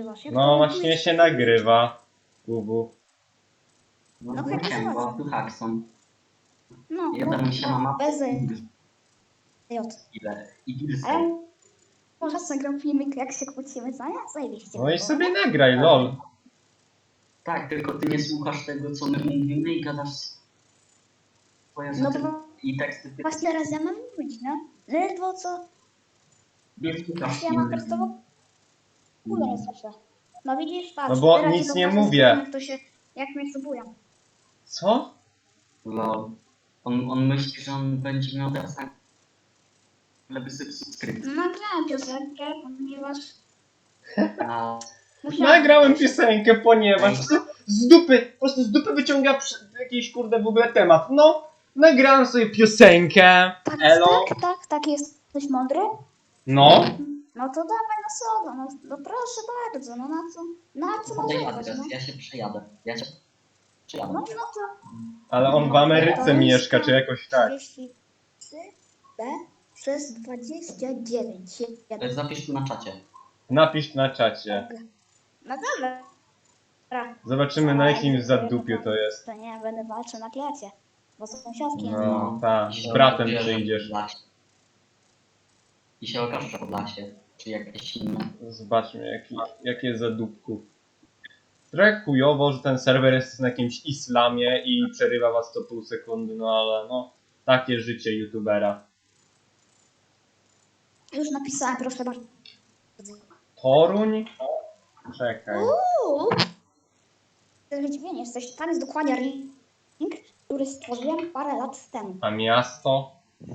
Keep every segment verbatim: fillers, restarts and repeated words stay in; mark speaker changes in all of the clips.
Speaker 1: nagrywasz? Jak
Speaker 2: No
Speaker 1: to
Speaker 2: właśnie
Speaker 1: robisz?
Speaker 2: się nagrywa. Ubu.
Speaker 3: No,
Speaker 1: No,
Speaker 3: no
Speaker 1: tak
Speaker 3: siema,
Speaker 1: jest.
Speaker 3: tu Hackson.
Speaker 1: No,
Speaker 3: Jeden mi się na mapę.
Speaker 1: bez J.
Speaker 3: Ile? I Gilsy.
Speaker 1: A ja może nagram filmik, jak się kłócimy, co nie? Zajebiście.
Speaker 2: No i
Speaker 1: było,
Speaker 2: sobie
Speaker 1: nie?
Speaker 2: nagraj, lol.
Speaker 3: Tak, tylko ty nie słuchasz tego, co my mówimy i gadasz swoje
Speaker 1: No
Speaker 3: rzeczy
Speaker 1: bo
Speaker 3: i teksty. Ty
Speaker 1: właśnie teraz ja mam mówić, no. Ledwo co,
Speaker 3: nie słuchasz
Speaker 1: ja mam
Speaker 3: innych.
Speaker 1: prosto w ogóle nie słyszę. No widzisz, patrz.
Speaker 2: No bo
Speaker 1: teraz
Speaker 2: nic
Speaker 1: ci
Speaker 2: nie
Speaker 1: pokażę
Speaker 2: mówię.
Speaker 1: screen, Jak to się, jak mnie subują.
Speaker 2: Co?
Speaker 3: Lol. On, on myśli, że on będzie miał teraz lewy subskrypt.
Speaker 1: No nagrałem piosenkę, ponieważ
Speaker 3: A
Speaker 1: musiałem.
Speaker 2: Nagrałem piosenkę, ponieważ z dupy, po prostu z dupy wyciąga przy- jakiś kurde w ogóle temat. No, nagrałem sobie piosenkę.
Speaker 1: Tak,
Speaker 2: Elo.
Speaker 1: tak, tak, tak, jesteś mądry?
Speaker 2: No.
Speaker 1: No to dawaj na sodo, no, no proszę bardzo, no na co, na co
Speaker 3: podaj
Speaker 1: narzekać,
Speaker 3: adres,
Speaker 1: no?
Speaker 3: ja się przejadę. Ja się przejadę.
Speaker 1: No, no to
Speaker 2: Ale on w Ameryce mieszka, czy jakoś tak.
Speaker 1: trzydzieści trzy B przez dwadzieścia dziewięć.
Speaker 3: E, Zapisz tu na czacie.
Speaker 2: Napisz na czacie.
Speaker 1: No dobra. Dobra.
Speaker 2: Zobaczymy na jakim zadupiu to jest.
Speaker 1: To nie, będę walczył na klacie, bo są sąsiadki.
Speaker 2: No, tak.
Speaker 3: I
Speaker 2: Z
Speaker 3: się
Speaker 2: bratem
Speaker 3: okaże, że
Speaker 2: przyjdziesz.
Speaker 3: Podlasie. I się okaże, że Podlasie, czy jakieś inne.
Speaker 2: Zobaczmy jaki, jakie jest zadupku. Trochę chujowo, że ten serwer jest na jakimś islamie i przerywa was co pół sekundy, no ale no, takie życie youtubera.
Speaker 1: Już napisałem, proszę bardzo.
Speaker 2: Toruń? Czekaj.
Speaker 1: Uuu! Zdziwienie jesteś. Tam jest dokładnie link, który stworzyłem parę lat temu.
Speaker 2: A miasto?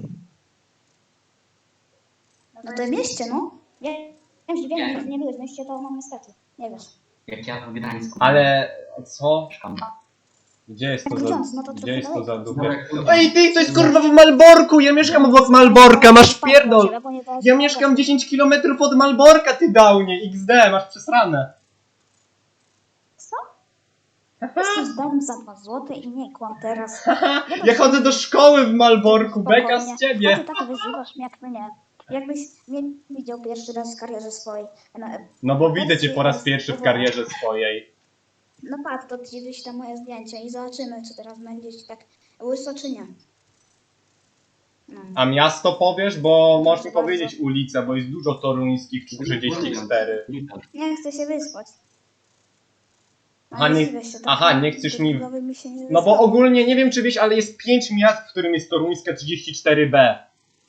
Speaker 1: No to w mieście, no. Ja wiem, zdziwienie,
Speaker 3: Nie.
Speaker 1: że nie byłeś w mieście, to no niestety. Nie wiesz.
Speaker 3: Jak ja w Gdańsku
Speaker 2: Ale co?
Speaker 3: mieszkam.
Speaker 2: Gdzie jest to za,
Speaker 1: Grudziądz, no to
Speaker 2: gdzie
Speaker 1: trochę
Speaker 2: jest to za
Speaker 1: daleko.
Speaker 2: dupie?
Speaker 3: Dobra,
Speaker 2: Ej ty, to jest kurwa w Malborku! Ja mieszkam obok Malborka, masz pierdol! Ja mieszkam dziesięć kilometrów od Malborka, ty downie! iks de, masz przesrane!
Speaker 1: Co? Jesteś dom za dwa złote i nie kłam teraz.
Speaker 2: Haha, ja chodzę do szkoły w Malborku, beka z
Speaker 1: A ty
Speaker 2: ciebie!
Speaker 1: tak wyzywasz mnie jak mnie. Jakbyś mnie widział pierwszy raz w karierze swojej. No,
Speaker 2: No bo widzę cię po raz pierwszy w karierze swojej.
Speaker 1: no patrz, to gdzieś tam moje zdjęcie i zobaczymy, czy teraz będzie ci tak łyso, czy nie. No.
Speaker 2: A miasto powiesz, bo możesz mi
Speaker 1: Proszę
Speaker 2: powiedzieć
Speaker 1: bardzo.
Speaker 2: ulica, bo jest dużo toruńskich trzydzieści cztery.
Speaker 1: Nie chcę się wyspać.
Speaker 2: Aha, nie-
Speaker 1: dziwię się, tak
Speaker 2: aha, nie chcesz mi-
Speaker 1: głowy mi się nie
Speaker 2: No bo
Speaker 1: wyspało.
Speaker 2: ogólnie nie wiem czy wiesz, ale jest pięć miast, w którym jest toruńska trzydzieści cztery be.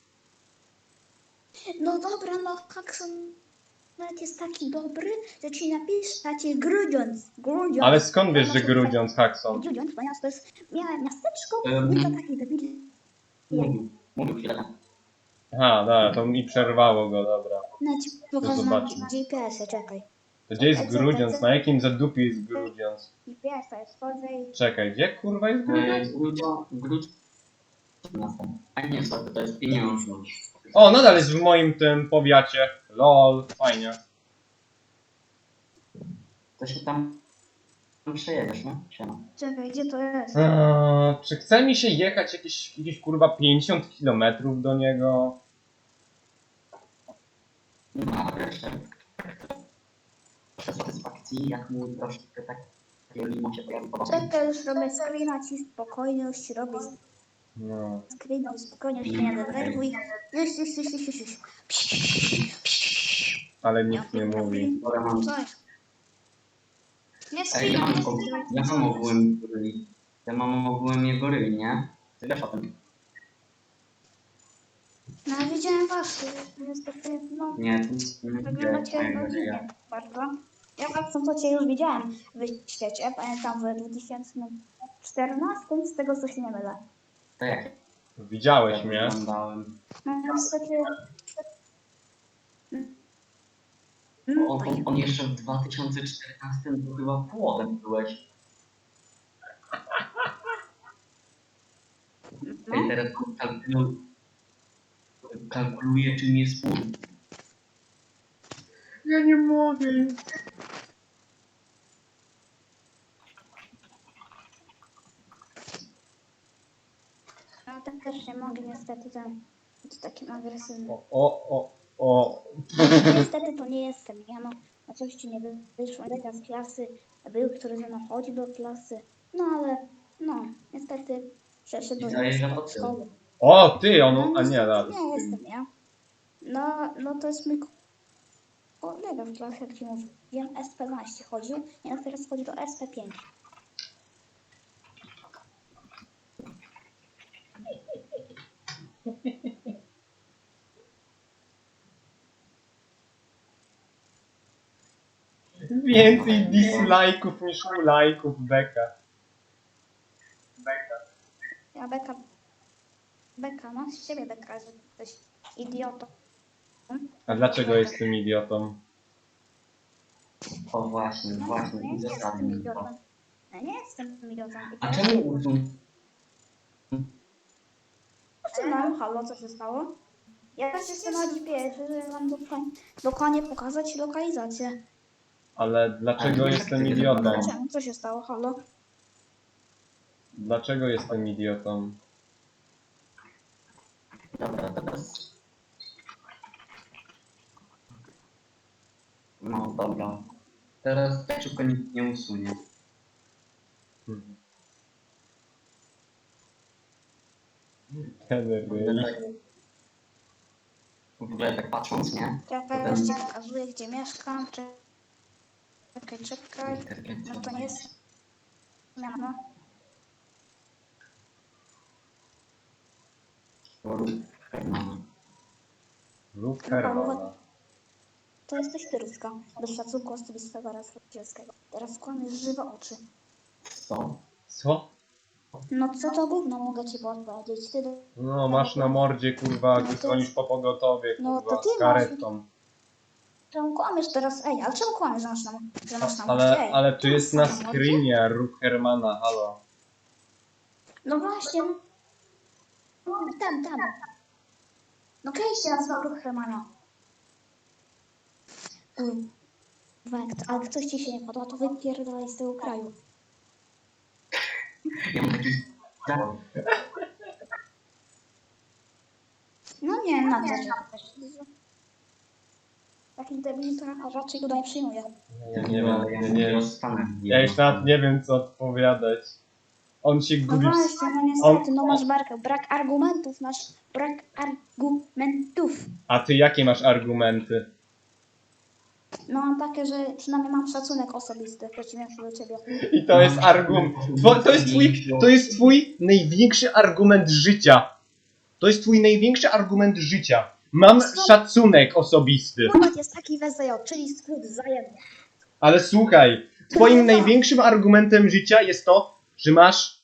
Speaker 1: No dobra, no Hakson nawet jest taki dobry, że ci napisz, a ci Grudziądz. Grudziądz.
Speaker 2: Ale skąd wiesz, że
Speaker 1: Znaczy,
Speaker 2: Grudziądz, Hackson?
Speaker 1: Grudziądz, ponieważ to jest miałe miasteczko,
Speaker 3: Em.
Speaker 1: nie to taki debil.
Speaker 3: Mówił, mówił chwilę.
Speaker 2: Aha, dobra, to mi przerwało go, dobra.
Speaker 1: No ci pokażę na
Speaker 2: zobaczmy.
Speaker 1: G P S-ie, czekaj.
Speaker 2: To gdzie jest Grudziądz? Na jakim zadupiu jest Grudziądz?
Speaker 1: G P S to jest wchodzę i...
Speaker 2: Czekaj, gdzie kurwa jest
Speaker 3: E,
Speaker 2: Grudziądz?
Speaker 3: Grudzio, Grudzio. A nie, sorry, to jest pieniążność.
Speaker 2: O, nadal jest w moim tym powiacie. Lol, fajnie.
Speaker 3: To się tam przejedziesz, no? Siema.
Speaker 1: Czekaj, gdzie to jest?
Speaker 2: Eee, czy chce mi się jechać jakieś, jakieś kurwa pięćdziesiąt kilometrów do niego?
Speaker 3: No, jeszcze. Satysfakcji, jak mu troszkę tak takiego limo się pojawi po
Speaker 1: Czekaj, już robię screena ci spokojnie, już ci robię
Speaker 2: No.
Speaker 1: screena i spokojnie się nie denerwuj. Już, już, już, już, już, już.
Speaker 2: Ale nikt nie mówi.
Speaker 3: Dobra, mam.
Speaker 1: Co jest? Nie
Speaker 3: Ej, ja
Speaker 1: screena,
Speaker 3: mam,
Speaker 1: nie
Speaker 3: og-
Speaker 1: screena.
Speaker 3: ja mam ogółem goryli. Ja mam ogółem jego ryli, nie? Ty wiesz o tym?
Speaker 1: No widziałem was, niestety, no,
Speaker 3: Nie, to nie
Speaker 1: wyglądacie
Speaker 3: widzę.
Speaker 1: rodzinnie bardzo. Ja tak są, co cię już widziałem w świecie, pamiętam w dwa tysiące czternastym, z tego co się nie mylę.
Speaker 3: To jak
Speaker 2: Widziałeś
Speaker 3: ja
Speaker 2: mnie?
Speaker 3: wyglądałem?
Speaker 1: No niestety...
Speaker 3: On, on, on jeszcze w dwa tysiące czternastym to chyba płodem byłeś.
Speaker 1: No,
Speaker 3: Ej, teraz kalkulu... kalkuluję czym jest płód.
Speaker 2: Ja nie mogę.
Speaker 1: no tak też nie mogę niestety ten być takim agresywnym.
Speaker 2: O, o, o, o.
Speaker 1: Niestety to nie jestem ja, no. a coś ci nie wyszło. Leka z klasy był, który ze mną chodzi do klasy. No ale, no, niestety przeszedł do
Speaker 3: I zajęcia
Speaker 1: innej
Speaker 3: po tył.
Speaker 1: szkoły.
Speaker 2: O, ty, on,
Speaker 1: No
Speaker 2: a nie,
Speaker 1: niestety
Speaker 2: raz.
Speaker 1: nie jestem ja. No, no to jest mój kolega w klasie, jak ci mówiłem, S P dwanaście chodził, ja teraz chodzi do S P pięć.
Speaker 2: Więcej dislike'ów niż like'ów, beka. Beka.
Speaker 1: Ja beka, beka, no z siebie beka, że jesteś idiotą.
Speaker 2: A dlaczego jestem idiotą?
Speaker 3: O właśnie,
Speaker 1: No,
Speaker 3: właśnie,
Speaker 1: nie jestem
Speaker 3: uzasadnij to.
Speaker 1: idiotą. Ja nie jestem idiotą. I
Speaker 3: A
Speaker 1: teraz-
Speaker 3: czemu usunął?
Speaker 1: Co nam? Halo, co się stało? Ja też jestem na G P S, żeby wam dokładnie, dokładnie pokazać lokalizację.
Speaker 2: Ale dlaczego
Speaker 3: Ale
Speaker 2: jestem
Speaker 3: jak ty
Speaker 2: idiotą?
Speaker 3: wyglądasz?
Speaker 1: Czemu? Co się stało? Halo?
Speaker 2: Dlaczego jestem idiotą?
Speaker 3: Dobra, teraz... No dobra. Teraz tak szybko nikt nie usunie.
Speaker 2: Hmm. Ten ryj.
Speaker 3: W ogóle tak patrząc, nie?
Speaker 1: Czekaj, już ci pokazuję, gdzie mieszkam. Czekaj, czekaj. No to nie jest... No.
Speaker 2: Rób Hermana.
Speaker 1: To jesteś ty, Ruska. Bez szacunku osobistego oraz rodzicielskiego. Teraz kłamiesz żywe oczy.
Speaker 3: Co?
Speaker 2: Co?
Speaker 1: No co to gówno mogę ci podpowiedzieć? Ty do...
Speaker 2: No, masz na mordzie, kurwa, gdy dzwonisz po pogotowie,
Speaker 1: No,
Speaker 2: kurwa,
Speaker 1: to ty
Speaker 2: z karetą.
Speaker 1: Czemu kłamiesz teraz? Ej, ale czemu kłamiesz, że masz na, że masz na
Speaker 2: Ale,
Speaker 1: Ej,
Speaker 2: ale tu
Speaker 1: tu
Speaker 2: jest
Speaker 1: masz
Speaker 2: na
Speaker 1: mordzie?
Speaker 2: screenie rób Hermana, halo.
Speaker 1: No właśnie. No, tam, tam. No klejście nazwał ruch Hermana. Kurwa, jak, to- jak coś ci się nie podoba, to wypierdalaj z tego kraju.
Speaker 3: Ja mam taki...
Speaker 1: No nie, na co cię też. Takim debilem to raczej go nie przyjmuję.
Speaker 2: Ja nie wiem,
Speaker 3: ja
Speaker 2: nie, nie,
Speaker 3: rozstanę.
Speaker 2: ja już nawet nie wiem, co odpowiadać. On się
Speaker 1: No
Speaker 2: gubi w...
Speaker 1: właśnie, no niestety, no masz barkę. Brak argumentów, masz brak argumentów.
Speaker 2: A ty jakie masz argumenty?
Speaker 1: No mam takie, że przynajmniej mam szacunek osobisty w przeciwieństwie do ciebie.
Speaker 2: I to jest argument. To jest twój, to jest twój największy argument życia. To jest twój największy argument życia. Mam szacunek osobisty.
Speaker 1: Nawet jest taki W Z J, czyli skrót wzajemny.
Speaker 2: Ale słuchaj, twoim największym argumentem życia jest to, że masz...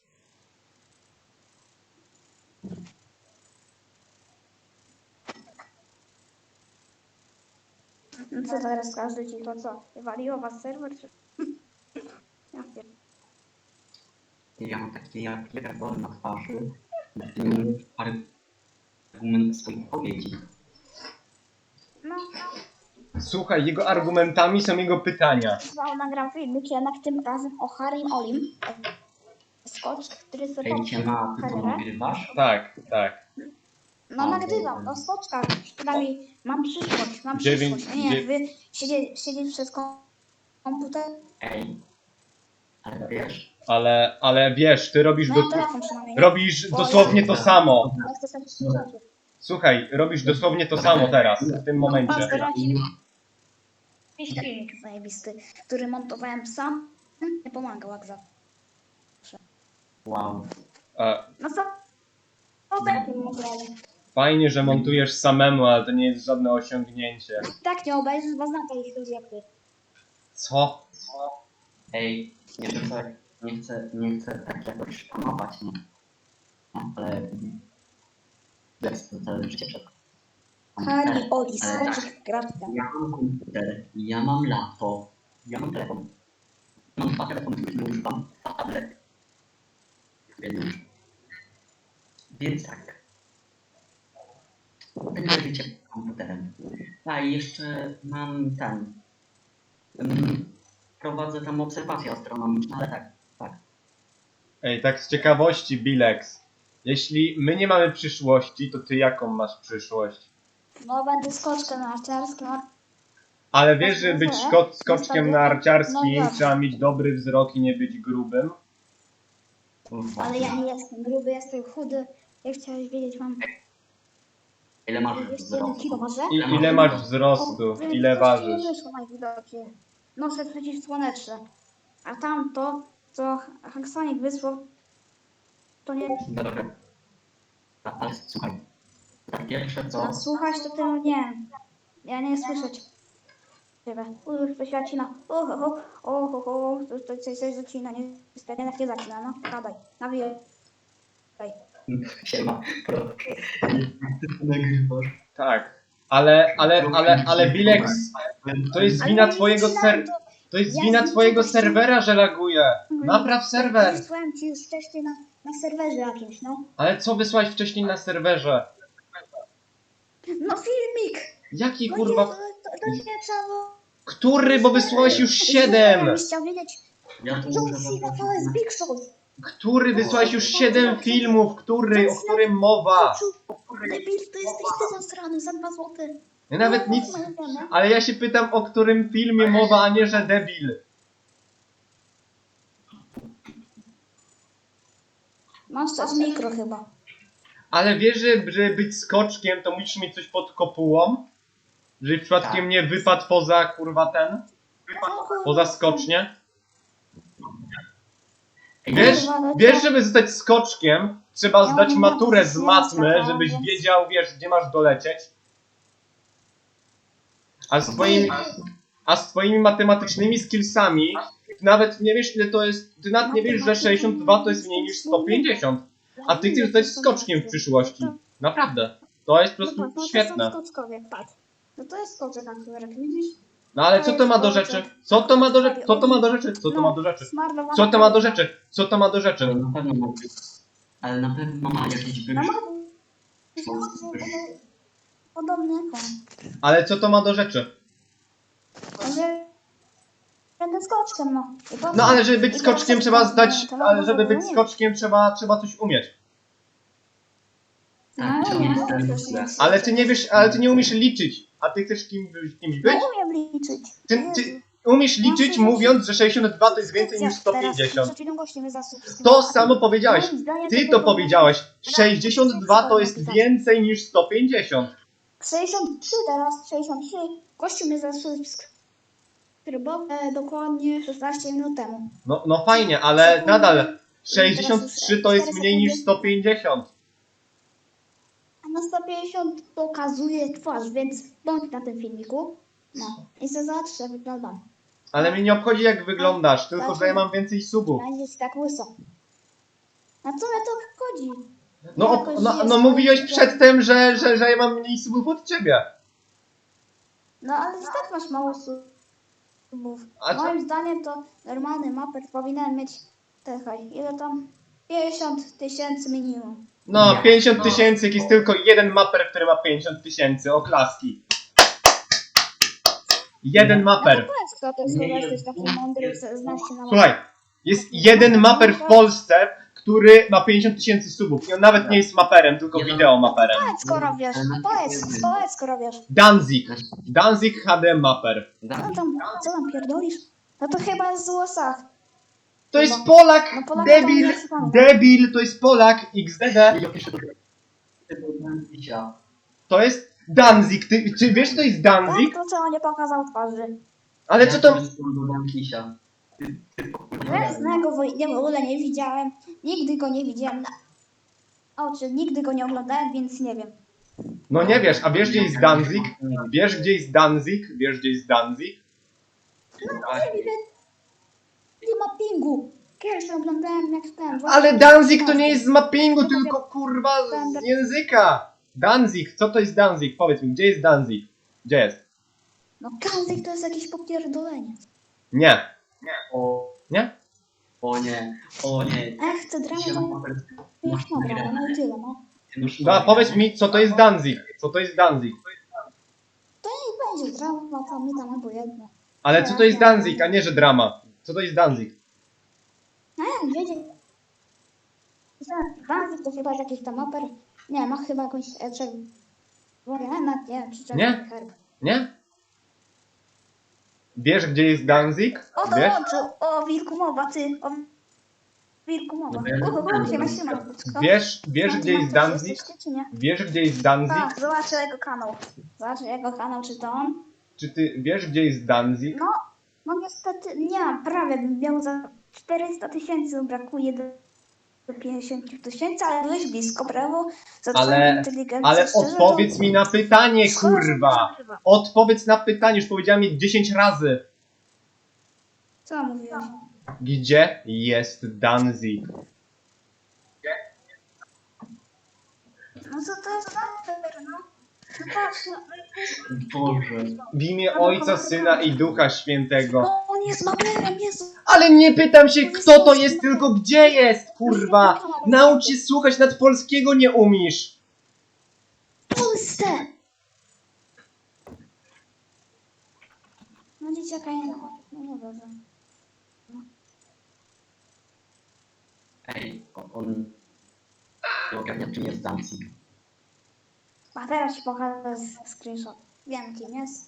Speaker 1: No co teraz każdy ci to co? Waliło was serwer czy... Ja pier...
Speaker 3: Ja mam takie jak pierdol na twarzy. Mm, Argument swoich powiedzi.
Speaker 1: No,
Speaker 2: Słuchaj, jego argumentami są jego pytania.
Speaker 1: no nagram filmik jednak tym razem o Harim Olim. Skocz, który sobie
Speaker 3: Ejcie na tylko
Speaker 1: kamerę.
Speaker 3: nagrywasz?
Speaker 2: Tak, tak.
Speaker 1: No nagrywam, no skoczkach. Przynajmniej mam przyszłość, mam
Speaker 2: Dziewięć-
Speaker 1: przyszłość. Nie,
Speaker 2: dziew-
Speaker 1: wy siedzieć, siedzieć przed kom- komputer.
Speaker 3: Ej. Ale wiesz?
Speaker 2: Ale, ale wiesz, ty robisz,
Speaker 1: No
Speaker 2: do,
Speaker 1: ja telefon przynajmniej. nie?
Speaker 2: robisz dosłownie to samo.
Speaker 1: Ja chcę sobie rzeczy.
Speaker 2: Słuchaj, robisz dosłownie to samo teraz, w tym momencie.
Speaker 1: Jakiś filmik zajebisty, który montowałem sam. Nie pomagał jak za.
Speaker 3: Wow.
Speaker 2: E,
Speaker 1: No co? No tak, montowałem.
Speaker 2: Fajnie, że montujesz samemu, ale to nie jest żadne osiągnięcie.
Speaker 1: Tak nie obejrzysz, bo znam takich ludzi jak ty.
Speaker 2: Co?
Speaker 3: Ej, nie chcę, nie chcę, nie chcę tak jakoś panować, no. No, ale... Jest to całe życie przed...
Speaker 1: Harry, Oli,
Speaker 3: Ale tak.
Speaker 1: skoczyk, gratka.
Speaker 3: Ja mam komputer, ja mam laptop, ja mam telefon. Mam dwa telefony, które używam, dwa tablety. Więc, więc tak. Będę życie komputerem. A i jeszcze mam ten. Um, prowadzę tam obserwacje astronomiczne, ale tak, tak.
Speaker 2: Ej, tak z ciekawości, Bilex. Jeśli my nie mamy przyszłości, to ty jaką masz przyszłość?
Speaker 1: No będę skoczkę narciarską.
Speaker 2: Ale wiesz, że być szko skoczkiem narciarskim
Speaker 1: No ja.
Speaker 2: trzeba mieć dobry wzrok i nie być grubym?
Speaker 1: Ale ja nie jestem gruby, jestem chudy. Jak chciałeś wiedzieć, mam
Speaker 3: Ile masz
Speaker 1: dwieście jeden kilo
Speaker 3: wzrostu?
Speaker 1: waży.
Speaker 2: I ile masz wzrostu? Ile ważysz?
Speaker 1: Nie wyszło najwidoczniej. Noszę przeciwsłoneczne. A tamto, co Hanksonik wysłał, to nie...
Speaker 3: Dobra. Ale słuchaj. Tak pierwsze co...
Speaker 1: A słuchać to ty nie. Ja nie słyszę ciebie. Uch, wyświacina. Uch, uch, uch, uch, uch. To, to coś, coś zacina. Niestety, jednak nie zacina. No, gadaj. Nawijaj.
Speaker 3: Siema. Nagrywasz.
Speaker 2: Tak. Ale, ale, ale, ale Bilex, to jest
Speaker 1: Ale
Speaker 2: wina
Speaker 1: nie
Speaker 2: twojego
Speaker 1: zaczynam,
Speaker 2: ser...
Speaker 1: to-
Speaker 2: To jest
Speaker 1: Ja
Speaker 2: wina
Speaker 1: z
Speaker 2: twojego
Speaker 1: niczego się-
Speaker 2: serwera, że laguje. Napraw serwer.
Speaker 1: Wysłałem ci już wcześniej na, na serwerze jakimś, no.
Speaker 2: Ale co wysłałeś wcześniej na serwerze?
Speaker 1: No filmik!
Speaker 2: Jaki
Speaker 1: No
Speaker 2: kurwa...
Speaker 1: nie, to, to, to nie trzeba było...
Speaker 2: Który? Bo wysłałeś już siedem!
Speaker 1: Byś chciał wiedzieć,
Speaker 3: Ja tu
Speaker 1: John
Speaker 3: muszę
Speaker 1: Cena to
Speaker 3: zobaczyć.
Speaker 1: jest Big Show.
Speaker 2: Który? Wysłałeś już siedem filmów. Który? O którym mowa?
Speaker 1: Debil, to jesteś ty zasrany za dwa złote.
Speaker 2: Ja nawet nic... Ale ja się pytam, o którym filmie mowa, a nie, że debil.
Speaker 1: Masz coś mikro chyba.
Speaker 2: Ale wiesz, że, że być skoczkiem to musisz mieć coś pod kopułą? Że przypadkiem
Speaker 3: Tak.
Speaker 2: nie wypadł poza kurwa ten? Poza skocznie? Wiesz, wiesz, żeby zostać skoczkiem, trzeba
Speaker 1: Ja
Speaker 2: zdać
Speaker 1: mam
Speaker 2: maturę z
Speaker 1: matmę,
Speaker 2: matmy,
Speaker 1: skakałam,
Speaker 2: żebyś
Speaker 1: więc-
Speaker 2: wiedział, wiesz, gdzie masz dolecieć. A z twoimi, a z twoimi matematycznymi skillsami, ty nawet nie wiesz, ile to jest, ty nawet nie wiesz, że sześćdziesiąt dwa to jest mniej niż sto pięćdziesiąt. A ty chcesz zostać skoczkiem w przyszłości. Naprawdę. To jest po
Speaker 1: No
Speaker 2: prostu
Speaker 1: tak, no to
Speaker 2: świetne.
Speaker 1: są skoczkowie, patrz. No to jest skoczek akurat, widzisz?
Speaker 2: No ale co to ma do rzeczy? Co to ma do rzeczy? Co to ma do rzeczy? Co to ma do rzeczy?
Speaker 1: Smarnowana
Speaker 2: Co to ma do rzeczy? Co to ma do rzeczy?
Speaker 3: Ale na pewno ma być. Ale na pewno ma jakiś
Speaker 1: No
Speaker 3: wyższy.
Speaker 1: ma... Podobny jak on.
Speaker 2: Ale co to ma do rzeczy?
Speaker 1: Że... Będę skoczkiem, no. I po co?
Speaker 2: No ale żeby być
Speaker 1: I
Speaker 2: skoczkiem
Speaker 1: teraz
Speaker 2: trzeba
Speaker 1: tak,
Speaker 2: zdać,
Speaker 1: to ma
Speaker 2: ale żeby być
Speaker 1: nie.
Speaker 2: skoczkiem trzeba, trzeba coś umieć.
Speaker 3: Tak,
Speaker 1: No,
Speaker 3: to
Speaker 1: nie,
Speaker 3: jest
Speaker 1: no,
Speaker 3: ten
Speaker 1: przecież
Speaker 3: źle.
Speaker 1: nie.
Speaker 2: Ale ty nie wiesz, ale ty nie umiesz liczyć. A ty chcesz kim, kimś być?
Speaker 1: No umiem liczyć.
Speaker 2: Ty,
Speaker 1: Jezu.
Speaker 2: ty umiesz liczyć mówiąc, że sześćdziesiąt dwa to jest więcej niż sto
Speaker 1: Teraz
Speaker 2: pięćdziesiąt.
Speaker 1: przed chwilą goście mnie zasubskrybował.
Speaker 2: To samo powiedziałeś.
Speaker 1: Moim zdaniem
Speaker 2: Ty
Speaker 1: było
Speaker 2: to powiedziałeś. sześćdziesiąt dwa to jest więcej niż sto pięćdziesiąt.
Speaker 1: sześćdziesiąt trzy teraz, sześćdziesiąt trzy. Gościu mnie zasubskrybował e, dokładnie szesnaście minut temu.
Speaker 2: No, no fajnie, ale nadal sześćdziesiąt trzy to jest mniej niż sto pięćdziesiąt.
Speaker 1: A na sto pięćdziesiąt pokazuje twarz, więc bądź na tym filmiku. No i se zobacz, jak wyglądam.
Speaker 2: Ale mnie nie obchodzi jak wyglądasz, tylko że ja mam więcej subów.
Speaker 1: Będziesz tak łyso. A co mnie to obchodzi?
Speaker 2: No,
Speaker 1: Ja
Speaker 2: op-
Speaker 1: jakoś
Speaker 2: no,
Speaker 1: żyję
Speaker 2: no
Speaker 1: swoim
Speaker 2: mówiłeś
Speaker 1: życiem.
Speaker 2: przedtem, że, że, że ja mam mniej subów od ciebie.
Speaker 1: No ale i tak masz mało subów.
Speaker 2: A co-
Speaker 1: Moim zdaniem to normalny maper powinien mieć, czekaj, ile tam? pięćdziesiąt tysięcy minimum.
Speaker 2: No,
Speaker 3: Nie.
Speaker 2: pięćdziesiąt tysięcy, jak jest tylko jeden maper, który ma pięćdziesiąt tysięcy, oklaski. Jeden
Speaker 1: No
Speaker 2: maper.
Speaker 1: to powiedz, kto to jest,
Speaker 3: Nie,
Speaker 1: chyba jesteś taki
Speaker 3: nie.
Speaker 1: mądry, że znasz się na
Speaker 2: Słuchaj, jest jeden maper w Polsce, który ma pięćdziesiąt tysięcy subów. I on nawet nie jest maperem, tylko
Speaker 3: Nie, no.
Speaker 2: wideo maperem.
Speaker 1: Powiedz, skoro wiesz, powiedz, powiedz, skoro wiesz.
Speaker 2: Danzig. Danzig H D maper.
Speaker 1: Co tam, co tam pierdolisz? No to chyba jest z U S A.
Speaker 2: To jest Polak,
Speaker 1: No Polaka
Speaker 2: debil,
Speaker 1: to nie pamiętam.
Speaker 2: debil, to jest Polak, X D D.
Speaker 3: Ja piszę do tego Danzisia.
Speaker 2: To jest Danzig. Ty, czy wiesz, co to jest
Speaker 1: Tak,
Speaker 2: Danzig?
Speaker 1: to co nie pokazał twarzy.
Speaker 2: Ale co to...
Speaker 3: Ja piszę do Danzisia. Ty- ty pokurwa.
Speaker 1: Ja znanego w ogóle nie widziałem. Nigdy go nie widziałem na oczy, nigdy go nie oglądałem, więc nie wiem.
Speaker 2: No nie wiesz, a wiesz, gdzie jest Danzig? Wiesz, gdzie jest Danzig? Wiesz, gdzie jest Danzig?
Speaker 1: No nie wiem, nie ma pingu. Kiedyś to oglądałem jak ten.
Speaker 2: Ale Danzig to nie jest z mappingu, tylko kurwa z języka. Danzig, co to jest Danzig? Powiedz mi, gdzie jest Danzig? Gdzie jest?
Speaker 1: No Kanzik to jest jakieś popierdolenie.
Speaker 2: Nie.
Speaker 3: O,
Speaker 2: Nie?
Speaker 3: o nie, o nie.
Speaker 1: A jak chcę dramę,
Speaker 3: Siema,
Speaker 1: to
Speaker 3: maper.
Speaker 1: już
Speaker 3: Masz
Speaker 1: dobra,
Speaker 3: nagrane.
Speaker 1: no i tyle, no.
Speaker 2: No, powiedz mi, co to jest Danzig? Co to jest Danzig?
Speaker 1: To nie będzie drama, to mi tam albo jedno.
Speaker 2: Ale co to jest Danzig, a nie, że drama? Co to jest Danzig?
Speaker 1: No jak wiedzieć. Kanzik to chyba jest jakiś tam oper. Nie, ma chyba jakąś e, czerwoną, nie wiem, czy czerwony
Speaker 2: Nie?
Speaker 1: herb.
Speaker 2: Nie? Wiesz, gdzie jest Danzig?
Speaker 1: O,
Speaker 2: Wiesz?
Speaker 1: dołączył! O, wilku mowa, ty! O, wilku mowa.
Speaker 3: No bo ja
Speaker 1: Uhu,
Speaker 3: nie
Speaker 1: siema,
Speaker 3: znam
Speaker 1: siema.
Speaker 3: tego.
Speaker 1: Kto?
Speaker 2: Wiesz, wiesz,
Speaker 1: Tam
Speaker 2: gdzie
Speaker 1: na
Speaker 2: jest
Speaker 1: coś
Speaker 2: Danzig?
Speaker 1: jesteście, czy nie?
Speaker 2: Wiesz, gdzie jest Danzig?
Speaker 1: Tak, zobaczę jego kanał. Zobaczę jego kanał, czy to on.
Speaker 2: Czy ty wiesz, gdzie jest Danzig?
Speaker 1: No, no niestety nie mam, prawie bym miał za czterysta tysięcy, brakuje do, do pięćdziesiąt tysięcy, ale byłeś blisko, brawo, za twoją
Speaker 2: Ale,
Speaker 1: inteligencję,
Speaker 2: ale
Speaker 1: szczerze,
Speaker 2: odpowiedz
Speaker 1: to...
Speaker 2: mi na pytanie,
Speaker 1: Szkoda, że
Speaker 2: kurwa!
Speaker 1: nie nagrywa.
Speaker 2: Odpowiedz na pytanie, już powiedziałem je dziesięć razy.
Speaker 1: Co mówiłeś?
Speaker 2: Gdzie jest Danzig?
Speaker 1: No co to jest za fair, no? No patrz, no,
Speaker 3: Boże.
Speaker 2: W imię Ojca, Syna i Ducha Świętego.
Speaker 1: no on jest mamerem, Jezu.
Speaker 2: Ale nie pytam się, kto to jest, tylko gdzie jest, kurwa! Naucz się słuchać, nad polskiego nie umiesz.
Speaker 1: W Polsce! No dzieciaka nie ma, no nie dobrze.
Speaker 3: Ej, on... on... ogarnia, czym jest Danzig.
Speaker 1: A teraz ci pokażę screenshot. Wiem kim jest.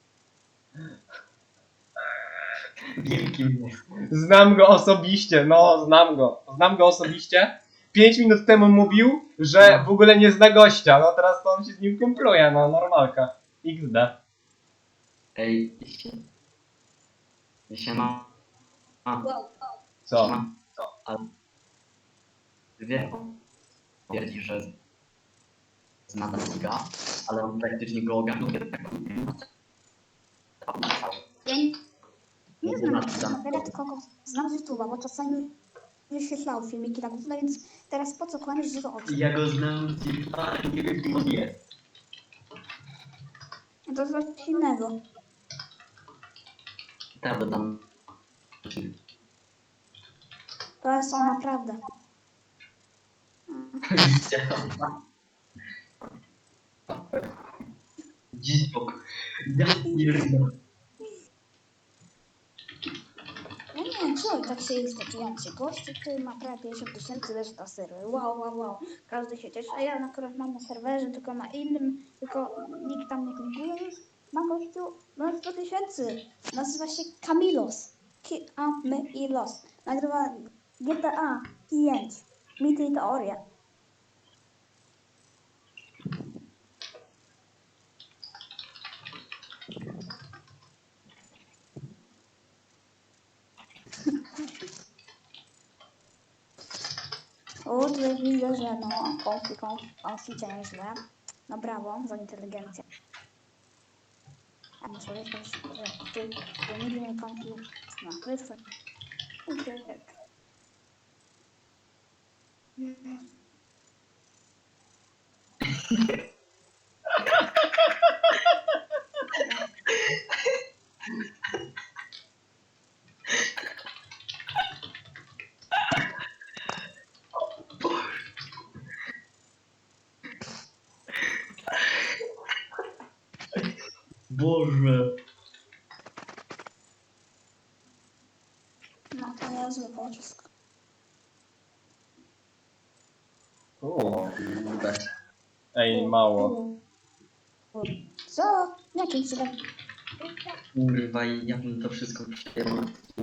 Speaker 3: Wielkim jest.
Speaker 2: Znam go osobiście, no, znam go. Znam go osobiście. Pięć minut temu mówił, że w ogóle nie zna gościa. No teraz to on się z nim kumpluje, no, normalka. iks de.
Speaker 3: Ej, się... Siema. A,
Speaker 2: Co?
Speaker 3: siema. Ale... Wie, twierdzi, że zna Danziga, ale on praktycznie go ogarnął.
Speaker 1: Ja nie, nie znam Matera, tylko go znam z YouTube'a, bo czasami wyświetlał filmiki na górze, więc teraz po co kłamiesz, że to oczy?
Speaker 3: Ja go znam z YouTube'a, ale nie wiem, kim on jest.
Speaker 1: To jest coś innego.
Speaker 3: Prawda, tam...
Speaker 1: To jest on naprawdę.
Speaker 3: Dziwok. Ja pierdolę.
Speaker 1: Ja nie wiem, co tak się jest takijący gość, który ma prawie pięćdziesiąt tysięcy leży na serwer. Wow, wow, wow. Każdy się cieszy, a ja akurat mam na serwerze, tylko na innym, tylko nikt tam nie klikuje już. Ma gościu ma sto tysięcy. Nazywa się Kamilos. Kamilos. Nagrywa G T A pięć. Mity i teorie. O, tutaj widzę, że no, konfi, konfi, konficie nieźle. No brawo, za inteligencję. A muszę wiedzieć, że ty, ty nigdy nie konfi na wyspę. Uciek.
Speaker 3: Boże.
Speaker 1: No to niezły pocisk.
Speaker 2: O,
Speaker 3: Kurde.
Speaker 2: ej, mało.
Speaker 1: Co? Jakim cudem?
Speaker 3: Kurwa, ja bym to wszystko przyjęł.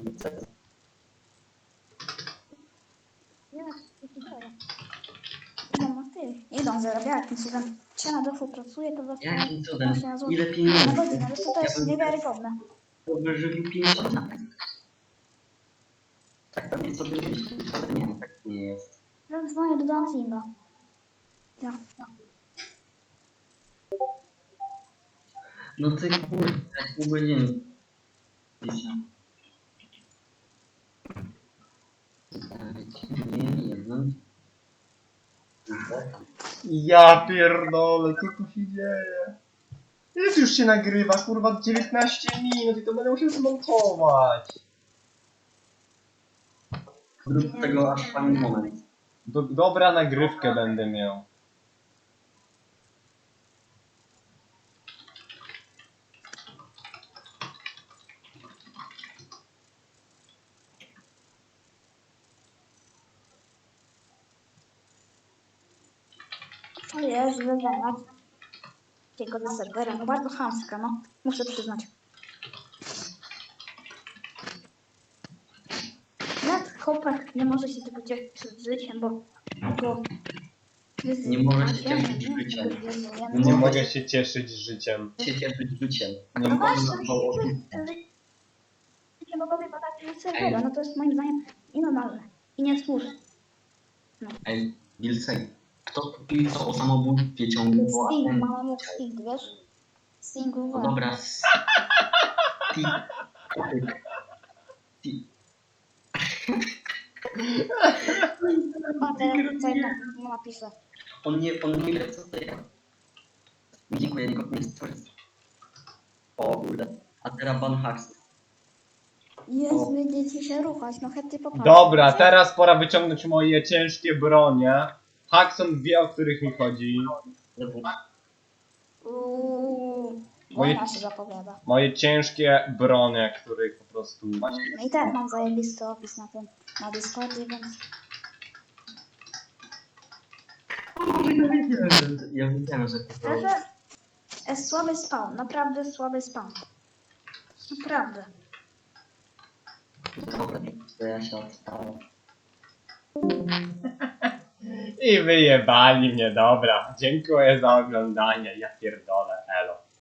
Speaker 1: No, ty. Idą zarabiać jakim cudem. Czy na dofu pracuje, to właśnie...
Speaker 3: Jakim cudem?
Speaker 1: właśnie na złoto.
Speaker 3: Ile
Speaker 1: Na
Speaker 3: pieniędzy?
Speaker 1: godzinę, wiesz co, to jest niewiarygodne.
Speaker 3: Wyżywił pięćdziesiąt lat. Tak pewnie sobie myśli, ale nie, tak nie jest.
Speaker 1: Dzwonię do Danzinga. Ja.
Speaker 3: No ty kurde, pół godziny. Nie, jedno.
Speaker 2: Ja pierdolę, co tu się dzieje? Ile już się nagrywa, kurwa, dziewiętnaście minut i to będę musiał zmontować.
Speaker 3: Zrób tego aż fajny moment.
Speaker 2: Do, dobra nagrywkę będę miał.
Speaker 1: O Jezu, wygląda. Tego do serwera, no bardzo chamska, no. Muszę przyznać. chłopak nie może się tylko cieszyć życiem, bo... bo
Speaker 3: Nie może się cieszyć
Speaker 1: nie,
Speaker 3: życiem.
Speaker 1: Jezu, ja
Speaker 3: Nie
Speaker 2: Nie
Speaker 3: mogę
Speaker 2: mogę się cieszyć życiem.
Speaker 3: się cieszyć życiem.
Speaker 2: Nie
Speaker 1: No
Speaker 2: mogę.
Speaker 1: właśnie,
Speaker 3: Bo-
Speaker 1: życie mogłoby badać serwera, no to jest moim zdaniem nienormalne i niesłuszne.
Speaker 3: Ej, Wilcej, kto pisał o samobójstwie ciągle? Bo
Speaker 1: Sting,
Speaker 3: ten-
Speaker 1: mama jak Sting, wiesz? Sting
Speaker 3: No
Speaker 1: uważa.
Speaker 3: dobra, s- Ti... Ti...
Speaker 1: A teraz tutaj na, napiszę.
Speaker 3: On nie, on nie wie co to jest. Dziękuję, nikogo nie stworzy. O kurde. A teraz Van Haks.
Speaker 1: Jezu, będziecie się ruchać, no chętnie popatrzę.
Speaker 2: Dobra, teraz pora wyciągnąć moje ciężkie bronie. Haxon wie, o których mi chodzi.
Speaker 1: Uuu,
Speaker 2: Moje-
Speaker 1: wojna się zapowiada.
Speaker 2: Moje ciężkie bronie, których po prostu...
Speaker 1: No i tak mam zajebisty opis na tym, na Discordzie, więc...
Speaker 3: Ja wiedziałem, że to
Speaker 1: Szczerze, jest słaby spawn, naprawdę słaby spawn. Naprawdę.
Speaker 3: Dobra, to ja się odstałem.
Speaker 2: I wyjebali mnie, dobra. Dziękuję za oglądanie, ja pierdolę, elo.